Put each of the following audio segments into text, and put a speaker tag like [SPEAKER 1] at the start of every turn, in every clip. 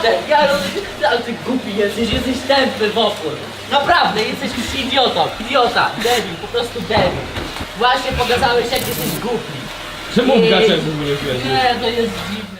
[SPEAKER 1] naprawdę, ale ty głupi jesteś tępy w opór. Naprawdę, jesteś już idiotą, idiota, debil, po prostu debil. Właśnie pokazałeś, jak jesteś głupi.
[SPEAKER 2] Czemu w gaciach w ogóle świecisz?
[SPEAKER 1] Nie, to jest dziwne.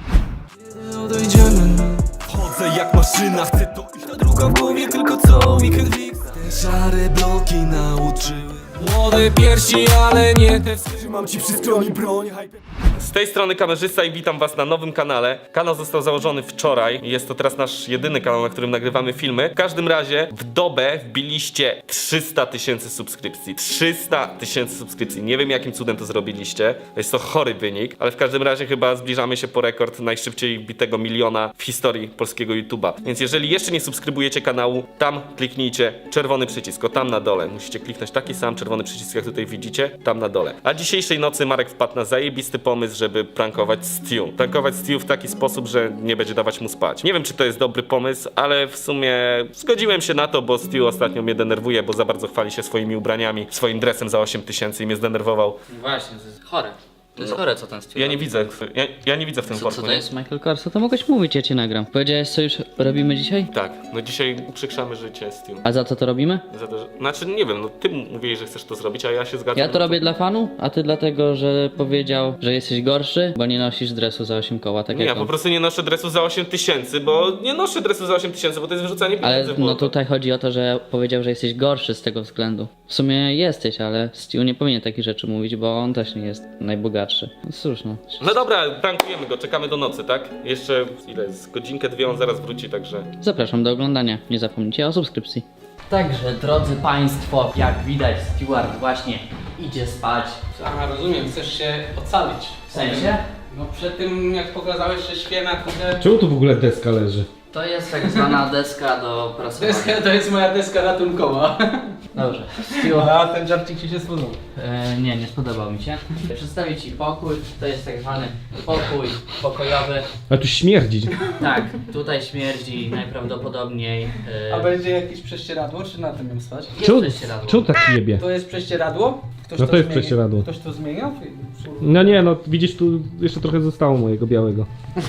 [SPEAKER 3] Odejdziemy. Chodzę jak maszyna, chcę to iść. Ta druga w głowie, tylko co weekend fix. Te szare bloki nauczyły. Młode piersi, ale nie te. Trzymam ci przy stronie broń.
[SPEAKER 2] Z tej strony kamerzysta i witam was na nowym kanale. Kanał został założony wczoraj i jest to teraz nasz jedyny kanał, na którym nagrywamy filmy. W każdym razie w dobę wbiliście 300 000 subskrypcji. 300 000 subskrypcji. Nie wiem, jakim cudem to zrobiliście. Jest to chory wynik, ale w każdym razie chyba zbliżamy się po rekord najszybciej bitego miliona w historii polskiego YouTube'a. Więc jeżeli jeszcze nie subskrybujecie kanału, tam kliknijcie czerwony przycisk, o tam na dole. Musicie kliknąć taki sam czerwony przycisk, jak tutaj widzicie, tam na dole. A dzisiejszej nocy Marek wpadł na zajebisty pomysł, żeby prankować Stu. Prankować Stu w taki sposób, że nie będzie dawać mu spać. Nie wiem, czy to jest dobry pomysł, ale w sumie zgodziłem się na to, bo Stu ostatnio mnie denerwuje, bo za bardzo chwali się swoimi ubraniami, swoim dresem za 8000 i mnie zdenerwował.
[SPEAKER 1] Właśnie, to jest chore. To jest chore, co ten styl.
[SPEAKER 2] Ja nie widzę, ja nie widzę w tym
[SPEAKER 1] Co
[SPEAKER 2] worku,
[SPEAKER 1] to
[SPEAKER 2] nie?
[SPEAKER 1] jest Michael Kors? To mogłeś mówić, ja cię nagram. Powiedziałeś, co już robimy dzisiaj?
[SPEAKER 2] Tak, no dzisiaj uprzykrzamy życie Stu.
[SPEAKER 1] A za co to robimy?
[SPEAKER 2] Za to, że... Znaczy, nie wiem, no ty mówiłeś, że chcesz to zrobić, a ja się zgadzam.
[SPEAKER 1] Ja to robię dla fanu, a ty dlatego, że powiedział, że jesteś gorszy, bo nie nosisz dresu za 8 koła, tak
[SPEAKER 2] Nie,
[SPEAKER 1] jak
[SPEAKER 2] ja
[SPEAKER 1] on.
[SPEAKER 2] po prostu nie noszę dresu za 8000, bo nie noszę dresu za 8000, bo to jest wyrzucanie
[SPEAKER 1] Ale
[SPEAKER 2] pieniędzy w
[SPEAKER 1] no
[SPEAKER 2] błoto.
[SPEAKER 1] tutaj chodzi o to, że powiedział, że jesteś gorszy z tego względu. W sumie jesteś, ale Stu nie powinien takich rzeczy mówić, bo on też nie jest najbogatszy. No cóż no.
[SPEAKER 2] No dobra, prankujemy go, czekamy do nocy, tak? Jeszcze ile jest? Godzinkę, dwie, on zaraz wróci, także...
[SPEAKER 1] Zapraszam do oglądania. Nie zapomnijcie o subskrypcji. Także, drodzy Państwo, jak widać, Steward właśnie idzie spać.
[SPEAKER 4] Aha, rozumiem, chcesz się ocalić.
[SPEAKER 1] W sensie?
[SPEAKER 4] No przed tym jak pokazałeś, że śpię na kurde...
[SPEAKER 5] Czemu tu w ogóle deska leży?
[SPEAKER 1] To jest tak zwana deska do prasowania.
[SPEAKER 4] Deska, to jest moja deska ratunkowa.
[SPEAKER 1] Dobrze. Steward.
[SPEAKER 4] A ten żarcik ci się spodobał.
[SPEAKER 1] Nie spodobał mi się. Przedstawię Ci pokój. To jest tak zwany pokój pokojowy.
[SPEAKER 5] A tu śmierdzi.
[SPEAKER 1] Tak, tutaj śmierdzi najprawdopodobniej.
[SPEAKER 4] A będzie jakieś prześcieradło, czy na tym jem spać?
[SPEAKER 5] Czemu,
[SPEAKER 1] prześcieradło.
[SPEAKER 5] czemu tak jebie?
[SPEAKER 4] To jest prześcieradło? Ktoś
[SPEAKER 5] No to jest
[SPEAKER 4] zmienił?
[SPEAKER 5] prześcieradło.
[SPEAKER 4] Ktoś to zmieniał?
[SPEAKER 5] No nie, no widzisz, tu jeszcze trochę zostało mojego białego.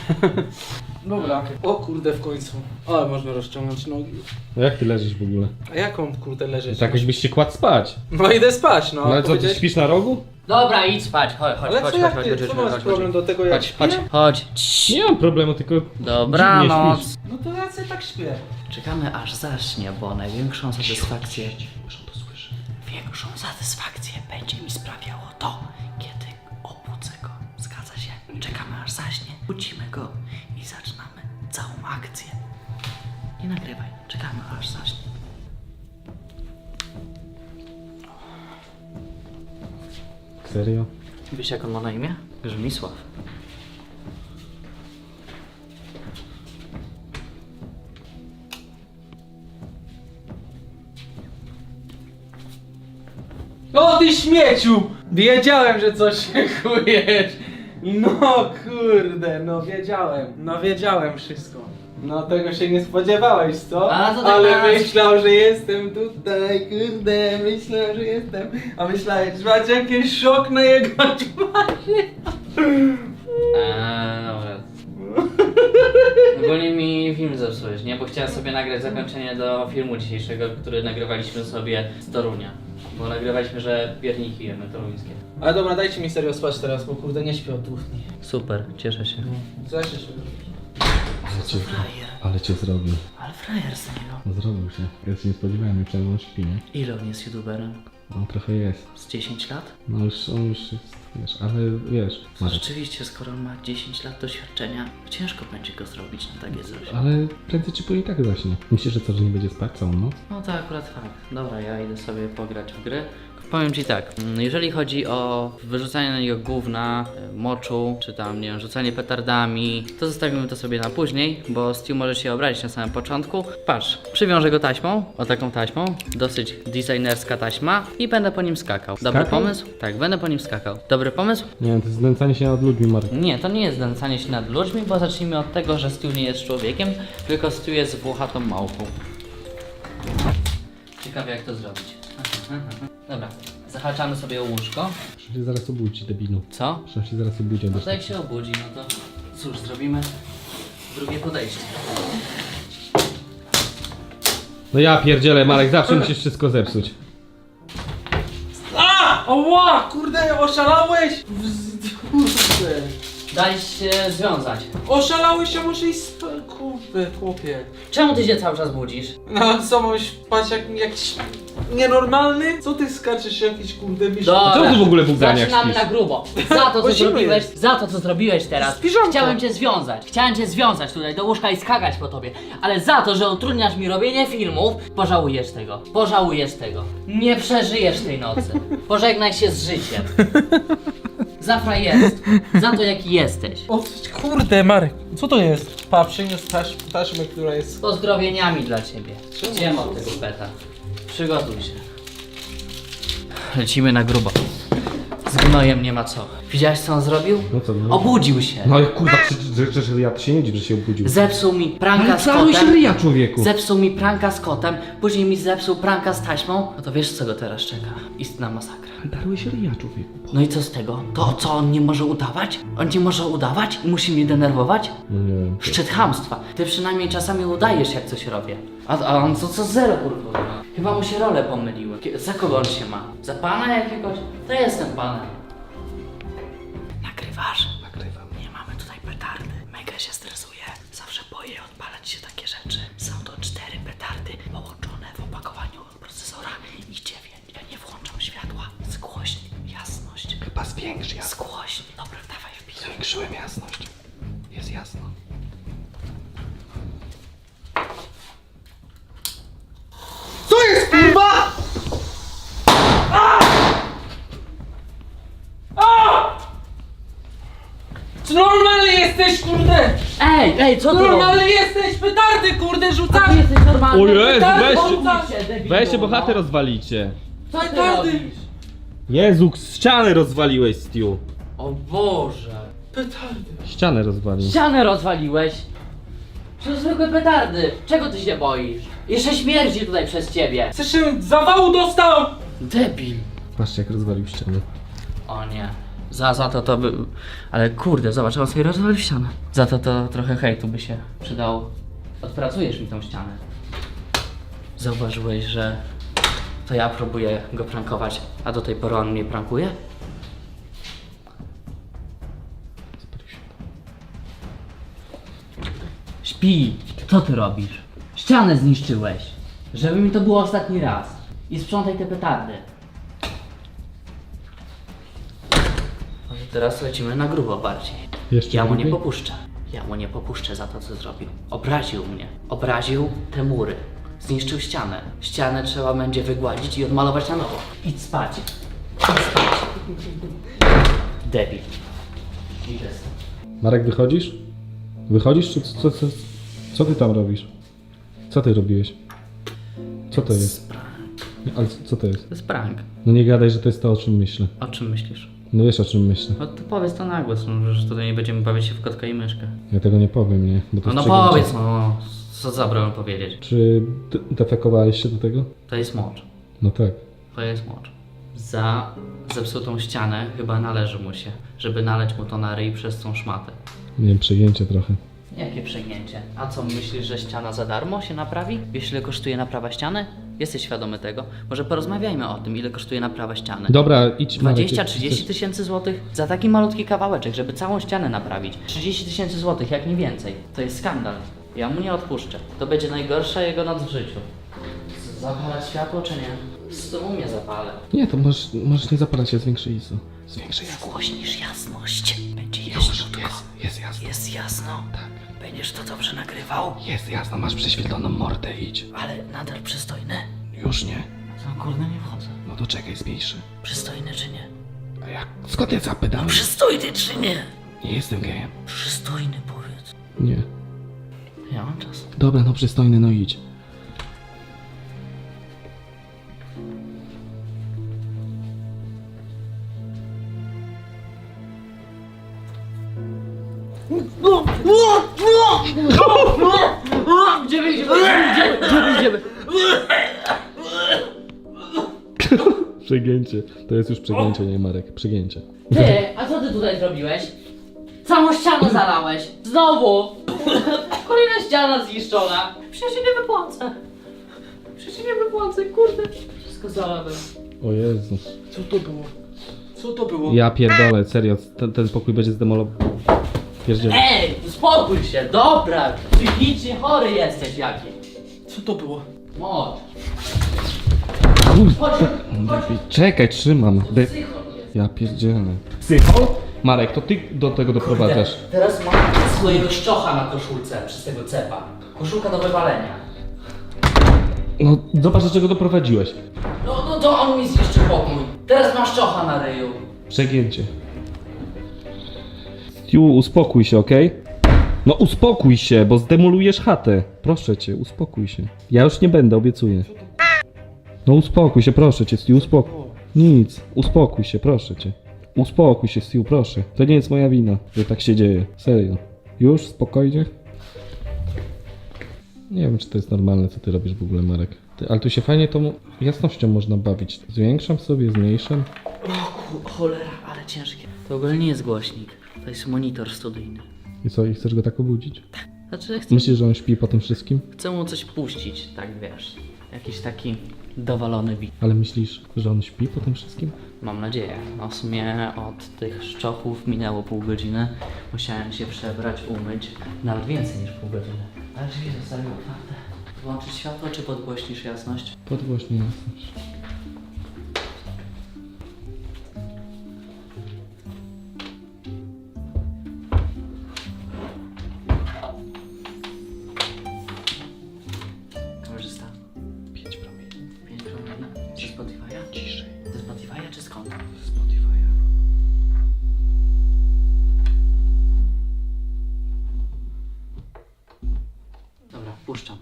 [SPEAKER 4] Dobra. O kurde, w końcu. Ale można rozciągnąć nogi.
[SPEAKER 5] No jak ty leżysz w ogóle?
[SPEAKER 4] A jaką kurde leżysz?
[SPEAKER 5] Tak jakbyś się kładł spać.
[SPEAKER 4] No idę spać, no.
[SPEAKER 5] No ale co, ty
[SPEAKER 4] Powiedziałeś-
[SPEAKER 5] śpisz na rogu?
[SPEAKER 1] Dobra, idź spać. Chodź,
[SPEAKER 4] Ale co jak ty, co masz problem do tego jak
[SPEAKER 1] Chodź.
[SPEAKER 4] śpię?
[SPEAKER 1] Chodź. Cii.
[SPEAKER 5] Nie mam problemu, tylko
[SPEAKER 1] Dobranoc.
[SPEAKER 5] dziwnie śpisz.
[SPEAKER 4] No to ja sobie tak śpię.
[SPEAKER 1] Czekamy aż zaśnie, bo największą satysfakcję... Większą satysfakcję będzie mi sprawiało to, kiedy obudzę go. Zgadza się? Czekamy aż zaśnie, budzimy go i zaczynamy całą akcję. Nie nagrywaj, czekamy aż zaśnie.
[SPEAKER 5] Serio?
[SPEAKER 1] Wiesz jak on ma na imię? Grzymisław.
[SPEAKER 4] O ty śmieciu! Wiedziałem, że coś się chujesz. No kurde, no wiedziałem wszystko. No tego się nie spodziewałeś, co?
[SPEAKER 1] A, to tak
[SPEAKER 4] Ale
[SPEAKER 1] raz.
[SPEAKER 4] myślał, że jestem tutaj, kurde, myślał, że jestem. A myślałeś, że macie jakiś szok na jego twarzy.
[SPEAKER 1] Dobra. Ogólnie mi film zepsułeś, nie? Bo chciałem sobie nagrać zakończenie do filmu dzisiejszego, który nagrywaliśmy sobie z Torunia. Bo nagrywaliśmy, że pierniki jemy toruńskie.
[SPEAKER 4] Ale dobra, dajcie mi serio spać teraz, bo kurde nie śpię od 2 dni.
[SPEAKER 1] Super, cieszę się.
[SPEAKER 4] Co jeszcze się
[SPEAKER 1] Frajer.
[SPEAKER 5] Ale cię zrobił.
[SPEAKER 1] Ale frajer z niego.
[SPEAKER 5] No zrobił się. Ja się nie spodziewałem, myślałem, że on śpi, nie?
[SPEAKER 1] Ile on jest youtuberem?
[SPEAKER 5] On trochę jest.
[SPEAKER 1] Z 10 lat?
[SPEAKER 5] No on już jest, wiesz, ale wiesz. Marek.
[SPEAKER 1] Rzeczywiście, skoro on ma 10 lat doświadczenia, ciężko będzie go zrobić na takie coś.
[SPEAKER 5] Ale prędzej czy później tak zaśnie. Myślisz, że co, że nie będzie spać całą noc?
[SPEAKER 1] No to akurat fakt. Dobra, ja idę sobie pograć w gry. Powiem Ci tak, jeżeli chodzi o wyrzucanie na niego gówna, moczu, czy tam, nie wiem, rzucanie petardami, to zostawimy to sobie na później, bo Stu może się obrazić na samym początku. Patrz, przywiążę go taśmą, o taką taśmą, dosyć designerska taśma i będę po nim skakał. Dobry
[SPEAKER 5] Skakał?
[SPEAKER 1] pomysł? Tak, będę po nim skakał. Dobry pomysł?
[SPEAKER 5] Nie wiem, to jest znęcanie się nad ludźmi, Marek.
[SPEAKER 1] Nie, to nie jest znęcanie się nad ludźmi, bo zacznijmy od tego, że Stu nie jest człowiekiem, tylko Stu jest włochatą małpą. Ciekawe jak to zrobić. Dobra, zahaczamy sobie o łóżko.
[SPEAKER 5] Muszę się zaraz obudzić, debilu.
[SPEAKER 1] Co?
[SPEAKER 5] Muszę się zaraz obudzić.
[SPEAKER 1] No to jak się obudzi, no to cóż, zrobimy Drugie podejście.
[SPEAKER 5] No ja pierdzielę, Marek, zawsze musisz wszystko zepsuć.
[SPEAKER 4] Oła, kurde, oszalałeś? Kurde.
[SPEAKER 1] Daj się związać.
[SPEAKER 4] Oszalałeś, a muszę iść spać. Kurde, chłopie.
[SPEAKER 1] Czemu ty się cały czas budzisz?
[SPEAKER 4] No co, mam spać jak jakiś nienormalny? Co ty skaczesz jakiś kurde miś?
[SPEAKER 1] Dobra.
[SPEAKER 5] Co ty w ogóle w ubraniach
[SPEAKER 1] Zaczynamy
[SPEAKER 5] śpisz?
[SPEAKER 1] na grubo. Za to, co
[SPEAKER 4] Bo zimno
[SPEAKER 1] zrobiłeś,
[SPEAKER 4] jest.
[SPEAKER 1] za to, co zrobiłeś teraz.
[SPEAKER 4] Z piżamką.
[SPEAKER 1] Chciałem cię związać. Chciałem cię związać tutaj do łóżka i skakać po tobie. Ale za to, że utrudniasz mi robienie filmów, pożałujesz tego. Pożałujesz tego. Nie przeżyjesz tej nocy. Pożegnaj się z życiem. Za frajerstwo. Za to, jaki jesteś.
[SPEAKER 4] O kurde, Marek, co to jest? Pa, przyniósł taśmę, która jest...
[SPEAKER 1] Z pozdrowieniami dla ciebie. Idziemy od tego beta. Przygotuj się. Lecimy na grubo. Z gnojem nie ma co. Widziałeś, co on zrobił?
[SPEAKER 5] No co, no?
[SPEAKER 1] Obudził się.
[SPEAKER 5] No i kurwa, że ja się nie dziw, że się obudził.
[SPEAKER 1] Zepsuł mi pranka
[SPEAKER 5] Ale
[SPEAKER 1] z
[SPEAKER 5] cały się
[SPEAKER 1] kotem.
[SPEAKER 5] ryja, człowieku.
[SPEAKER 1] Zepsuł mi pranka z kotem, później mi zepsuł pranka z taśmą. No to wiesz, co go teraz czeka? Istna masakra.
[SPEAKER 5] Darłeś ryja, człowieku.
[SPEAKER 1] No i co z tego? To co, on nie może udawać? On nie może udawać i musi mnie denerwować?
[SPEAKER 5] No nie wiem.
[SPEAKER 1] Szczyt chamstwa. Ty przynajmniej czasami udajesz, jak coś robię. A on co zero, kurwa. Chyba mu się role pomyliły. Za kogo on się ma? Za pana jakiegoś? To jestem panem. Nagrywasz?
[SPEAKER 5] Nagrywam.
[SPEAKER 1] Nie mamy tutaj petardy. Mega się stresuje. Zawsze boję odpalać się takie rzeczy. Są to 4 petardy połączone w opakowaniu procesora i 9. Ja nie włączam światła. Zgłośnij jasność.
[SPEAKER 5] Chyba zwiększ jasność.
[SPEAKER 1] Zgłośnij. Dobra, dawaj wpij.
[SPEAKER 5] Zwiększyłem jasność. Jest jasno.
[SPEAKER 4] Co jest, kurwa? Czy normalny jesteś, kurde?
[SPEAKER 1] Ej, co ty robisz?
[SPEAKER 4] Normalny jesteś, petardy, kurde,
[SPEAKER 1] A ty
[SPEAKER 4] rzucamy!
[SPEAKER 1] jesteś normalny?
[SPEAKER 5] O Jezu,
[SPEAKER 4] Tak,
[SPEAKER 5] weźcie, weźcie, bo chatę rozwalicie.
[SPEAKER 1] Co ty
[SPEAKER 4] petardy.
[SPEAKER 1] robisz?
[SPEAKER 5] Jezu, ścianę rozwaliłeś, Stu.
[SPEAKER 1] O Boże.
[SPEAKER 4] Petardy.
[SPEAKER 5] Ścianę rozwalił.
[SPEAKER 1] Ścianę rozwaliłeś. To zwykłe petardy. Czego ty się boisz? Jeszcze śmierdzi tutaj przez ciebie.
[SPEAKER 4] Chcesz się zawału dostał?
[SPEAKER 1] Debil.
[SPEAKER 5] Patrzcie, jak rozwalił ścianę.
[SPEAKER 1] O nie. Za to by... Ale kurde, zobacz, on sobie rozwalił ścianę. Za to trochę hejtu by się przydało. Odpracujesz mi tą ścianę. Zauważyłeś, że to ja próbuję go prankować, a do tej pory on mnie prankuje? Śpi! Co ty robisz? Ścianę zniszczyłeś! Żeby mi to było ostatni raz. I sprzątaj te petardy. Może teraz lecimy na grubo bardziej.
[SPEAKER 5] Jeszcze
[SPEAKER 1] Ja mu nie
[SPEAKER 5] grubiej?
[SPEAKER 1] popuszczę. Ja mu nie popuszczę za to, co zrobił. Obraził mnie. Obraził te mury. Zniszczył ścianę. Ścianę trzeba będzie wygładzić i odmalować na nowo. Idź spać. Idź spać. Debil. Idę stąd.
[SPEAKER 5] Marek, wychodzisz? Wychodzisz, czy co ty tam robisz? Co ty robiłeś? Co to jest?
[SPEAKER 1] Prank.
[SPEAKER 5] Nie, ale co to jest?
[SPEAKER 1] To jest prank.
[SPEAKER 5] No nie gadaj, że to jest to, o czym myślę.
[SPEAKER 1] O czym myślisz?
[SPEAKER 5] No wiesz, o czym myślę.
[SPEAKER 1] No to powiedz to na głos, no, że tutaj nie będziemy bawić się w kotka i myszkę.
[SPEAKER 5] Ja tego nie powiem, nie? Bo to
[SPEAKER 1] No,
[SPEAKER 5] jest
[SPEAKER 1] no
[SPEAKER 5] przegięcie.
[SPEAKER 1] powiedz, no. Co za broń powiedzieć?
[SPEAKER 5] Czy defekowałeś się do tego?
[SPEAKER 1] To jest mocz.
[SPEAKER 5] No tak.
[SPEAKER 1] To jest mocz. Za zepsutą ścianę chyba należy mu się, żeby naleć mu to na ryj przez tą szmatę.
[SPEAKER 5] Nie wiem, przegięcie trochę.
[SPEAKER 1] Jakie przejęcie? A co, myślisz, że ściana za darmo się naprawi? Wiesz, ile kosztuje naprawa ściany? Jesteś świadomy tego? Może porozmawiajmy o tym, ile kosztuje naprawa ściany.
[SPEAKER 5] Dobra, idź Marek.
[SPEAKER 1] 20-30 tysięcy złotych za taki malutki kawałeczek, żeby całą ścianę naprawić. 30 tysięcy złotych, jak nie więcej. To jest skandal. Ja mu nie odpuszczę. To będzie najgorsza jego noc w życiu. Zapalać światło czy nie? Z tobą mnie zapalę.
[SPEAKER 5] Nie, to możesz nie zapalać się, zwiększy ISO. Zwiększy jasno.
[SPEAKER 1] Zgłośnisz jasność. Będzie jaśniutko.
[SPEAKER 5] Jest jasno.
[SPEAKER 1] Jest jasno.
[SPEAKER 5] Tak.
[SPEAKER 1] Będziesz to dobrze nagrywał,
[SPEAKER 5] Jest jasno, masz prześwietloną mordę, idź.
[SPEAKER 1] ale nadal przystojny.
[SPEAKER 5] Już nie.
[SPEAKER 1] No kurde, nie wchodzę.
[SPEAKER 5] No to czekaj, zmniejszy.
[SPEAKER 1] Przystojny czy nie?
[SPEAKER 5] A jak? Skąd ja zapytałem?
[SPEAKER 1] Przystojny czy nie?
[SPEAKER 5] Nie jestem gejem.
[SPEAKER 1] Przystojny powiedz.
[SPEAKER 5] Nie.
[SPEAKER 1] Ja mam czas.
[SPEAKER 5] Dobra, no przystojny, no idź.
[SPEAKER 1] Gdzie wyjdziemy?
[SPEAKER 5] Przegięcie. To jest już przegięcie, nie Marek. Przegięcie.
[SPEAKER 1] Ty, a co ty tutaj zrobiłeś? Całą ścianę zalałeś. Znowu! Kolejna ściana zniszczona. Przecież się nie wypłacę. Przecież się nie wypłacę, kurde. Wszystko zalałem.
[SPEAKER 5] O Jezu.
[SPEAKER 4] Co to było? Co to było?
[SPEAKER 5] Ja pierdolę, serio, ten pokój będzie zdemolowany. Pierdzielę.
[SPEAKER 1] Ej, uspokój się, dobra. Psychicznie chory jesteś jakiś.
[SPEAKER 4] Co to było?
[SPEAKER 1] Mocz.
[SPEAKER 5] Kurwa.
[SPEAKER 1] Chodź.
[SPEAKER 5] Czekaj, trzymam.
[SPEAKER 1] Psychol jest.
[SPEAKER 5] Ja pierdzielę. Psychol? Marek, to ty do tego doprowadzasz.
[SPEAKER 1] Teraz mam swojego szczocha na koszulce przez tego cepa. Koszulka do wywalenia.
[SPEAKER 5] No, zobacz, do czego doprowadziłeś.
[SPEAKER 1] No to on mi zniszczy pokój. Teraz masz szczocha na ryju.
[SPEAKER 5] Przegięcie. Stu, uspokój się, okej? No uspokój się, bo zdemolujesz chatę. Proszę cię, uspokój się. Ja już nie będę, obiecuję. No uspokój się, proszę cię, Stu, uspokój. Nic, uspokój się, proszę cię. Uspokój się, Stu, proszę. To nie jest moja wina, że tak się dzieje. Serio. Już? Spokojnie? Nie wiem, czy to jest normalne, co ty robisz w ogóle, Marek. Ale tu się fajnie tą jasnością można bawić. Zwiększam sobie, zmniejszam.
[SPEAKER 1] Cholera, ale ciężkie. To ogólnie nie jest głośnik. To jest monitor studyjny.
[SPEAKER 5] I co, i chcesz go tak obudzić?
[SPEAKER 1] Znaczy chcę,
[SPEAKER 5] Myślisz, że on śpi po tym wszystkim?
[SPEAKER 1] chcę mu coś puścić, tak wiesz. Jakiś taki dowalony beat.
[SPEAKER 5] Ale myślisz, że on śpi po tym wszystkim?
[SPEAKER 1] Mam nadzieję. No w sumie od tych szczochów minęło pół godziny. Musiałem się przebrać, umyć. Nawet więcej niż pół godziny. Ale drzwi zostały otwarte. Włączyć światło, czy podgłośnisz jasność?
[SPEAKER 5] Podgłośnij jasność.
[SPEAKER 1] Kamerzysta.
[SPEAKER 5] 5 promieni.
[SPEAKER 1] 5 promili. Ze Spotify'a?
[SPEAKER 5] Ciszej.
[SPEAKER 1] Ze Spotify'a czy skąd?
[SPEAKER 5] Spotify'a.
[SPEAKER 1] Dobra, puszczam.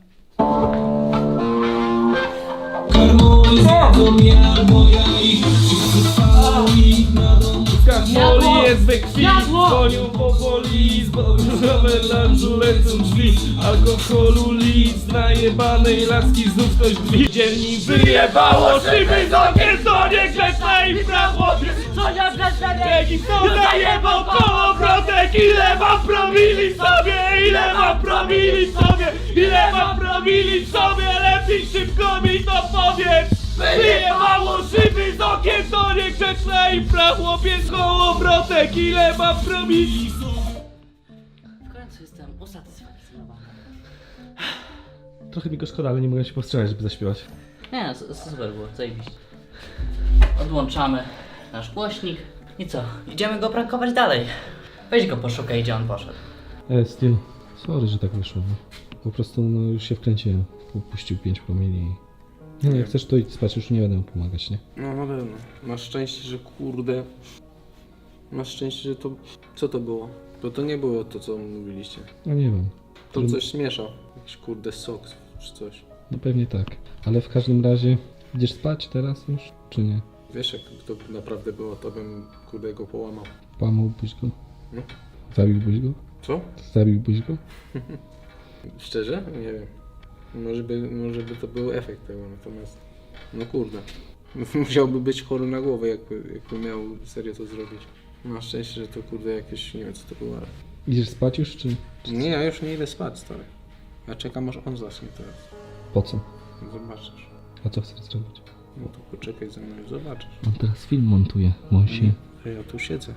[SPEAKER 2] Moli jest we krwi, dzwonią powoli, zbożowe lunchu lecą drzwi, alkoholu litr, najebanej laski znów ktoś drzwi. Dzienni wyjebało szyby z okien, to nie grzeczne i prawo.
[SPEAKER 1] Co ja
[SPEAKER 2] Jaki kto najebał kołowrotek, ile mam promili w sobie, ile mam promili w sobie, ile mam promili w sobie, lepiej szybko mi to powiedz. Wyjebało szyby z okien, to niegrzeczna impra, chłopiec kołowrotek, ile mam promili.
[SPEAKER 1] W końcu jestem usatysfakcjonowany.
[SPEAKER 5] Trochę mi go szkoda, ale nie mogę się powstrzymać, żeby zaśpiewać.
[SPEAKER 1] Nie, no, super było, zajebiście. Odłączamy nasz głośnik. I co? Idziemy go prankować dalej. Weź go poszukaj, gdzie on poszedł.
[SPEAKER 5] Stu, sorry, że tak wyszło. Po prostu no, już się wkręciłem. Puścił 5 promili. No jak chcesz, to idź spać, już nie będę mu pomagać, nie?
[SPEAKER 4] No na pewno. Masz szczęście, że kurde... Masz szczęście, że to... Co to było? Bo to nie było to, co mówiliście.
[SPEAKER 5] No nie wiem.
[SPEAKER 4] To coś śmieszał. Jakiś kurde sok czy coś.
[SPEAKER 5] No pewnie tak. Ale w każdym razie, idziesz spać teraz już, czy nie?
[SPEAKER 4] Wiesz, jak to naprawdę było, to bym kurde go połamał.
[SPEAKER 5] Połamałbyś go?
[SPEAKER 4] No.
[SPEAKER 5] Zabiłbyś go?
[SPEAKER 4] Co?
[SPEAKER 5] Zabiłbyś go?
[SPEAKER 4] Szczerze? Nie wiem. Może by to był efekt tego, natomiast... No kurde. Musiałby być chory na głowę, jakby miał serio to zrobić. Na szczęście, że to kurde jakieś... Nie wiem co to było, ale...
[SPEAKER 5] Idziesz spać już, czy
[SPEAKER 4] Nie, ja już nie idę spać, stary. Ja czekam, aż on zacznie teraz.
[SPEAKER 5] po co?
[SPEAKER 4] Zobaczysz.
[SPEAKER 5] A co chcesz zrobić?
[SPEAKER 4] No to poczekaj ze mną i zobaczysz.
[SPEAKER 5] On teraz film montuje, Monsi.
[SPEAKER 4] A ja tu siedzę.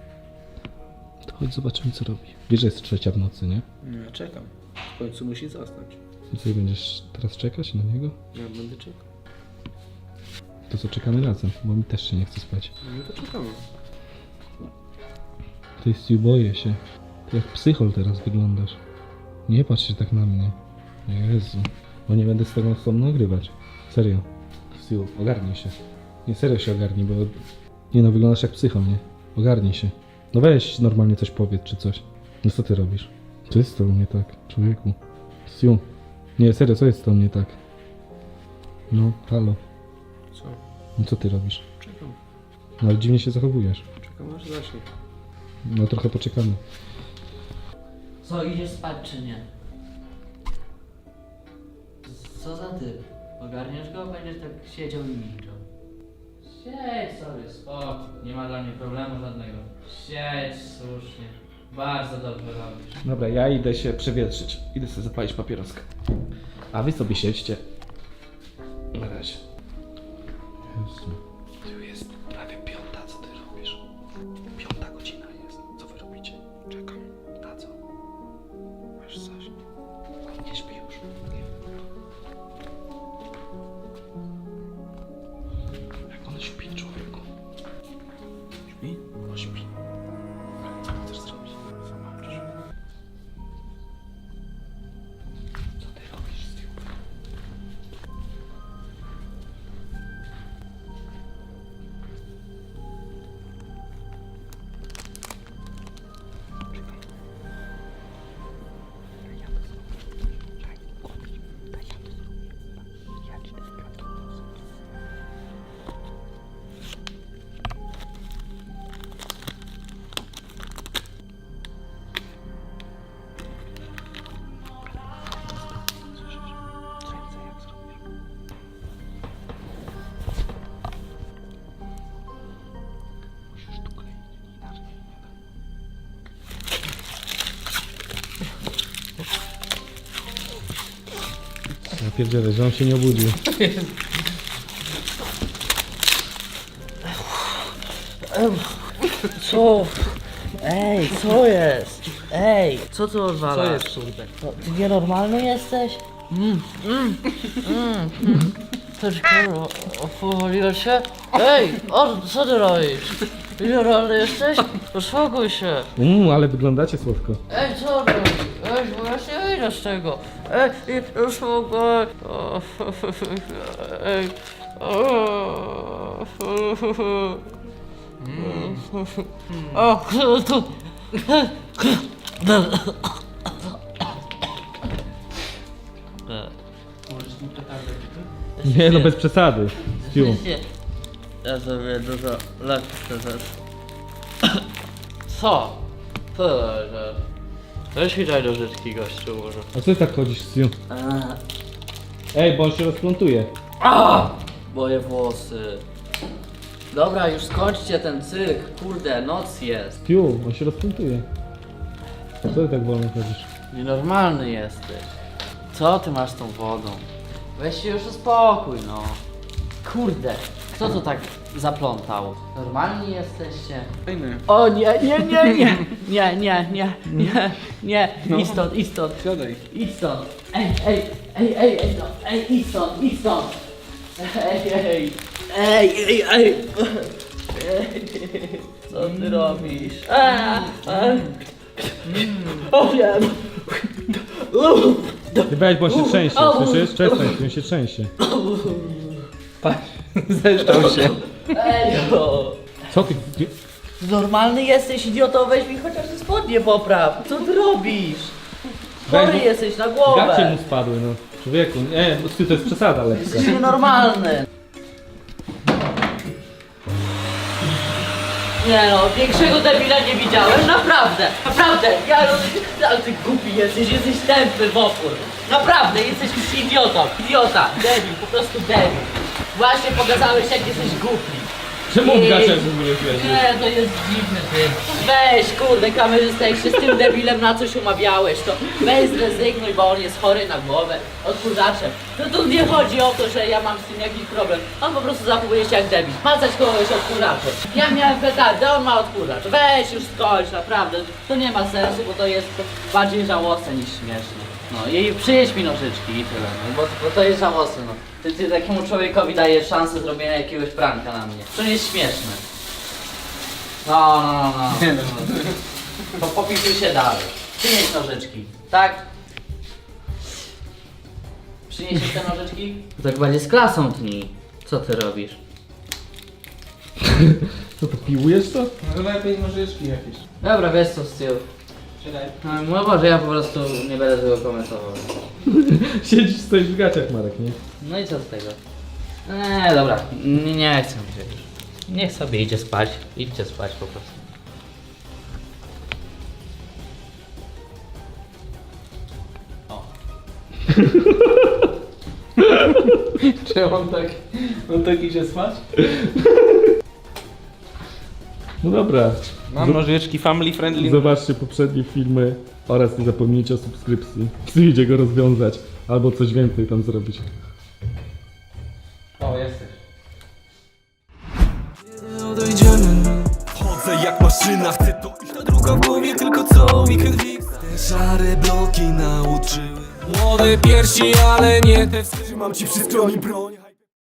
[SPEAKER 5] To chodź zobaczymy, co robi. Wiesz, że jest 3 w nocy, nie?
[SPEAKER 4] No ja czekam. W końcu musi zasnąć.
[SPEAKER 5] I co, będziesz teraz czekać na niego?
[SPEAKER 4] Ja będę czekał.
[SPEAKER 5] To co, czekamy razem, bo mi też się nie chce spać.
[SPEAKER 4] No to czekamy.
[SPEAKER 5] Ty, Stu, boję się. Ty jak psychol teraz wyglądasz. Nie patrz się tak na mnie. Jezu. Bo nie będę z tego z tobą nagrywać. Serio. Stu, ogarnij się. Nie, serio się ogarnij, bo... Nie no, wyglądasz jak psychol, nie? Ogarnij się. No weź normalnie coś powiedz, czy coś. No co ty robisz? Co jest z tobą nie tak, człowieku? Stu. Nie, serio, co jest z tobą nie tak? No, halo.
[SPEAKER 4] Co?
[SPEAKER 5] No co ty robisz?
[SPEAKER 4] Czekam.
[SPEAKER 5] No ale dziwnie się zachowujesz.
[SPEAKER 4] Czekam aż zacznie.
[SPEAKER 5] No trochę poczekamy.
[SPEAKER 1] Co, idziesz spać czy nie? Co za typ? Ogarniesz go? Będziesz tak siedział i milczał. Siedź sobie, spoko. Nie ma dla mnie problemu żadnego. Siedź słusznie. Bardzo dobrze robisz.
[SPEAKER 5] Dobra, ja idę się przewietrzyć. Idę sobie zapalić papieroskę. A wy sobie siedźcie. Na razie. Jezu. Tu jest prawie 5, co ty robisz? 5 godzina jest. Co wy robicie? Czekam. Na co? Masz coś? Nie śpi już. Nie. Jak on śpi, człowieku? Śpi? No śpi. Co chcesz zrobić? Zobaczysz. Co ty robisz, Stu? Ja pierdzielę, że on się nie obudził.
[SPEAKER 1] Co? Ej, co jest? Ej, co tu odwalasz?
[SPEAKER 4] Co jest, kurde?
[SPEAKER 1] No, ty nienormalny jesteś? Też kurwa, powoliłeś się? Ej, co ty robisz? Nienormalny jesteś? Uspokój się.
[SPEAKER 5] Ale wyglądacie słodko.
[SPEAKER 1] Ej, co robisz? Ej, bo ja się wyjdę z tego. Ej, uspokój. Ej. O, tu.
[SPEAKER 4] Możesz mi petardę
[SPEAKER 5] Nie no, bez przesady. Stu.
[SPEAKER 1] Ja sobie dużo lat teraz. Co? Co to jest? Weź mi daj nożyczki, gościu, może.
[SPEAKER 5] A co ty tak chodzisz, Stu? Ej, bo on się rozplątuje.
[SPEAKER 1] Moje włosy. Dobra, już skończcie ten cyrk, kurde, noc jest.
[SPEAKER 5] Stu, on się rozplątuje. A co ty tak wolno chodzisz?
[SPEAKER 1] Nienormalny jesteś. Co ty masz z tą wodą? Weź się już uspokój, no. Kurde, kto to tak zaplątał? Normalni jesteście?
[SPEAKER 4] fajny.
[SPEAKER 1] O nie, nie, nie, nie, nie, nie, nie, nie, nie, idź stąd, idź stąd,
[SPEAKER 4] Siadaj.
[SPEAKER 1] idź stąd. Ej, no, idź stąd, idź stąd. Ej. Co ty robisz? O nie.
[SPEAKER 5] Ty weź, bo on się trzęsie, słyszysz? Przestań, on się trzęsie.
[SPEAKER 4] Zeszczał się.
[SPEAKER 1] Ej, no.
[SPEAKER 5] Co ty?
[SPEAKER 1] Normalny jesteś, idioto, weź mi chociaż te spodnie popraw. Co ty robisz?
[SPEAKER 5] Weź,
[SPEAKER 1] Chory
[SPEAKER 5] bo-
[SPEAKER 1] jesteś na
[SPEAKER 5] Gacie
[SPEAKER 1] głowę.
[SPEAKER 5] mu spadły, no. Człowieku, nie, bo Stu, to jest przesada lekka.
[SPEAKER 1] Jesteś nienormalny. Nie no, większego debila nie widziałem, naprawdę, ale ty głupi jesteś tępy w opór. Naprawdę, jesteś idiota, debil, po prostu debil. Właśnie pokazałeś jak jesteś głupi.
[SPEAKER 5] Czemu
[SPEAKER 1] I-
[SPEAKER 5] w gaciach w ogóle wiesz?
[SPEAKER 1] Nie, to jest dziwny ty. Weź, kurde, kamerzysta, jak się z tym debilem na coś umawiałeś, to weź zrezygnuj, bo on jest chory na głowę, odkurzaczem. No tu nie chodzi o to, że ja mam z tym jakiś problem. On po prostu zachowuje się jak debil. Macać kogoś odkurzaczem. Ja miałem petardę, on ma odkurzacz. Weź już skończ, naprawdę. To nie ma sensu, bo to jest bardziej żałosne niż śmieszne. No i przyjedź mi nożyczki i tyle, no, bo to jest żałosne, no. Ty takiemu człowiekowi dajesz szansę zrobienia jakiegoś pranka na mnie. To nie jest śmieszne. No. To popisuj się dalej. Przynieś nożyczki, tak? Przyniesiesz te nożyczki? Tak bardziej z klasą tnij. Co ty robisz?
[SPEAKER 5] Co to, piłujesz to?
[SPEAKER 4] No lepiej nożyczki jakieś.
[SPEAKER 1] Dobra, wiesz co z tyłu.
[SPEAKER 4] Siadaj.
[SPEAKER 1] No może ja po prostu nie będę tego komentował.
[SPEAKER 5] Siedzisz, stoisz w gaciach, Marek, nie?
[SPEAKER 1] No i co z tego? Dobra, nie chcę mi się już. Niech sobie idzie spać. Idźcie spać po prostu.
[SPEAKER 4] Czy on tak idzie spać?
[SPEAKER 5] No dobra.
[SPEAKER 4] Mam nożyczki family friendly.
[SPEAKER 5] Zobaczcie poprzednie filmy oraz nie zapomnijcie o subskrypcji. Przyjdzie go rozwiązać albo coś więcej tam zrobić.
[SPEAKER 4] O, jesteś.
[SPEAKER 3] Odejdziemy. Chodzę jak maszyna, chcę to iść. Ta druga w głowie, tylko co weekend fix. Te szare bloki nauczyły. Młode piersi, ale nie te wskazy. Mam ci przy stronie broń.